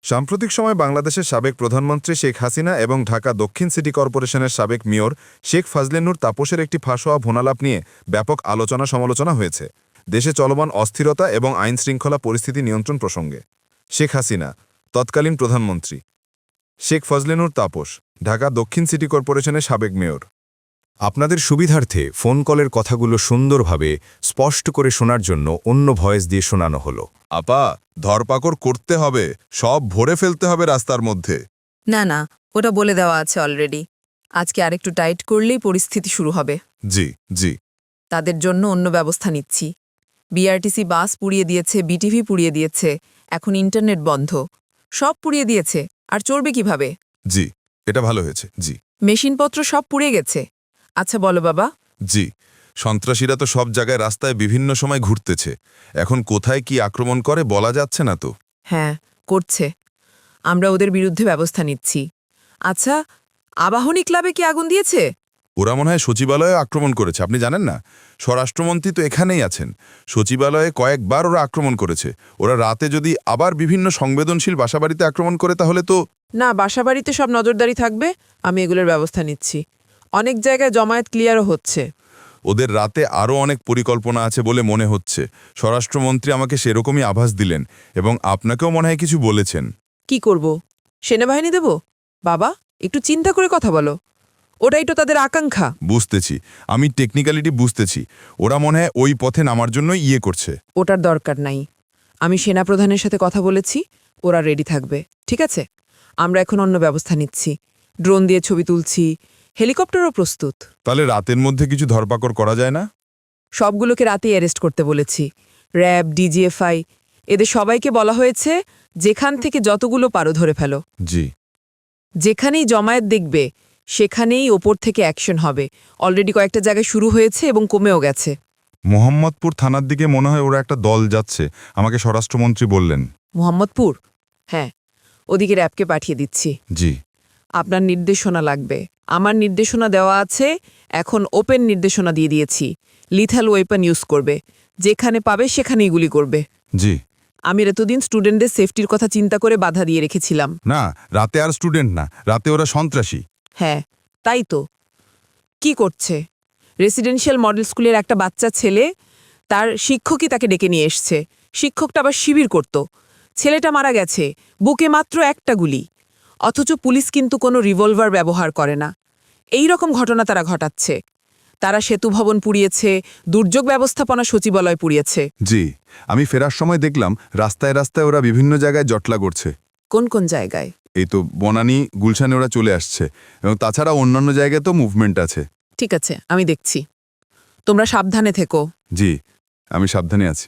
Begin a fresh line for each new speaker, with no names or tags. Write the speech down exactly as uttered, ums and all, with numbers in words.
সাম্প্রতিক সময় বাংলাদেশের সাবেক প্রধানমন্ত্রী শেখ হাসিনা এবং ঢাকা দক্ষিণ সিটি কর্পোরেশনের সাবেক মেয়র শেখ ফাজলেনুর তাপসের একটি ফাঁস হওয়া ভোনালাপ নিয়ে ব্যাপক আলোচনা সমালোচনা হয়েছে দেশে চলমান অস্থিরতা এবং আইনশৃঙ্খলা পরিস্থিতি নিয়ন্ত্রণ প্রসঙ্গে। শেখ হাসিনা, তৎকালীন প্রধানমন্ত্রী; শেখ ফজলেনুর তাপস, ঢাকা দক্ষিণ সিটি কর্পোরেশনের সাবেক মেয়র।
আপনাদের সুবিধার্থে ফোন কলের কথাগুলো সুন্দরভাবে স্পষ্ট করে শোনার জন্য অন্য ভয়েস দিয়ে শোনানো হলো।
আপা, ধরপাকড় করতে হবে, সব ভরে ফেলতে হবে রাস্তার মধ্যে।
না না, ওটা বলে দেওয়া আছে অলরেডি। আজকে আরেকটু টাইট করলেই পরিস্থিতি শুরু হবে।
জি জি।
তাদের জন্য অন্য ব্যবস্থা নিচ্ছি। বিআরটিসি বাস পুড়িয়ে দিয়েছে, বিটিভি পুড়িয়ে দিয়েছে, এখন ইন্টারনেট বন্ধ, সব পুড়িয়ে দিয়েছে। আর চলবে কিভাবে?
জি, এটা ভালো হয়েছে। জি
মেশিনপত্র সব পুড়ে গেছে। আচ্ছা বলো বাবা।
জি, সন্ত্রাসীরা তো সব জায়গায় রাস্তায় বিভিন্ন সময় ঘুরতেছে, এখন কোথায় কি আক্রমণ করে বলা যাচ্ছে না তো।
হ্যাঁ, করছে। আমরা ওদের বিরুদ্ধে ব্যবস্থা নিচ্ছি। আচ্ছা, আবাহনী ক্লাবে কি আগুন দিয়েছে?
ওরা মনে হয় সচিবালয়ে আক্রমণ করেছে, আপনি জানেন না? স্বরাষ্ট্রমন্ত্রী তো এখানেই আছেন। সচিবালয়ে কয়েকবার ওরা আক্রমণ করেছে। ওরা রাতে যদি আবার বিভিন্ন সংবেদনশীল বাসাবাড়িতে আক্রমণ করে তাহলে তো।
না, বাসাবাড়িতে সব নজরদারি থাকবে। আমি এগুলোর ব্যবস্থা নিচ্ছি। অনেক জায়গায় জমায়েত ক্লিয়ারও হচ্ছে।
ওদের রাতে আরও অনেক পরিকল্পনা আছে বলে মনে হচ্ছে। স্বরাষ্ট্রমন্ত্রী আমাকে সেরকমই আভাস দিলেন এবং আপনাকেও মনে হয় কিছু বলেছেন।
কি করব? সেনাবাহিনী দেব? বাবা, একটু চিন্তা করে কথা বলো। ওটাই তো তাদের আকাঙ্ক্ষা।
বুঝতেছি, আমি টেকনিক্যালিটি বুঝতেছি। ওরা মনে হয় ওই পথে নামার জন্য ইয়ে করছে।
ওটার দরকার নাই। আমি সেনাপ্রধানের সাথে কথা বলেছি, ওরা রেডি থাকবে। ঠিক আছে, আমরা এখন অন্য ব্যবস্থা নিচ্ছি। ড্রোন দিয়ে ছবি তুলছি, হেলিকপ্টারও প্রস্তুত।
তাহলে রাতের মধ্যে কিছু ধরপাকড় করা যায় না?
সবগুলোকে রাতেই অ্যারেস্ট করতে বলেছি। র্যাব, ডিজিএফআই, এদের সবাইকে বলা হয়েছে যেখান থেকে যতগুলো পারো ধরে ফেলো।
জি।
যেখানেই জমায়েত দেখবে সেখানেই ওপর থেকে অ্যাকশন হবে। অলরেডি কয়েকটা জায়গায় শুরু হয়েছে এবং কমেও গেছে।
মোহাম্মদপুর থানার দিকে মনে হয় ওরা একটা দল যাচ্ছে, আমাকে স্বরাষ্ট্রমন্ত্রী বললেন।
মোহাম্মদপুর? হ্যাঁ, ওদিকে র্যাবকে পাঠিয়ে দিচ্ছি।
জি।
আপনার নির্দেশনা লাগবে। আমার নির্দেশনা দেওয়া আছে, এখন ওপেন নির্দেশনা দিয়ে দিয়েছি। লিথাল ওয়েপন ইউজ করবে, যেখানে পাবে সেখানেই গুলি করবে।
জি।
আমি এতদিন স্টুডেন্টদের সেফটির কথা চিন্তা করে বাধা দিয়ে রেখেছিলাম।
না, রাতে আর স্টুডেন্ট না, রাতে ওরা সন্ত্রাসী।
হ্যাঁ, তাই তো। কি করছে? রেসিডেন্সিয়াল মডেল স্কুলের একটা বাচ্চা ছেলে, তার শিক্ষকই তাকে ডেকে নিয়ে এসছে। শিক্ষকটা আবার শিবির করত। ছেলেটা মারা গেছে, বুকে মাত্র একটা গুলি। অথচ পুলিশ কিন্তু কোনো রিভলভার ব্যবহার করে না। এই রকম ঘটনা তারা ঘটাচ্ছে। তারা সেতু ভবন পুড়িয়েছে, দুর্যোগ ব্যবস্থাপনা সচিবালয় পুড়িয়েছে।
জি, আমি ফেরার সময় দেখলাম রাস্তায় রাস্তায় ওরা বিভিন্ন জায়গায় জটলা করছে।
কোন কোন জায়গায়?
এই তো বনানী, গুলশানে ওরা চলে আসছে, এবং তাছাড়া অন্যান্য জায়গায় তো মুভমেন্ট আছে।
ঠিক আছে, আমি দেখছি। তোমরা সাবধানে থেকো।
জি, আমি সাবধানে আছি।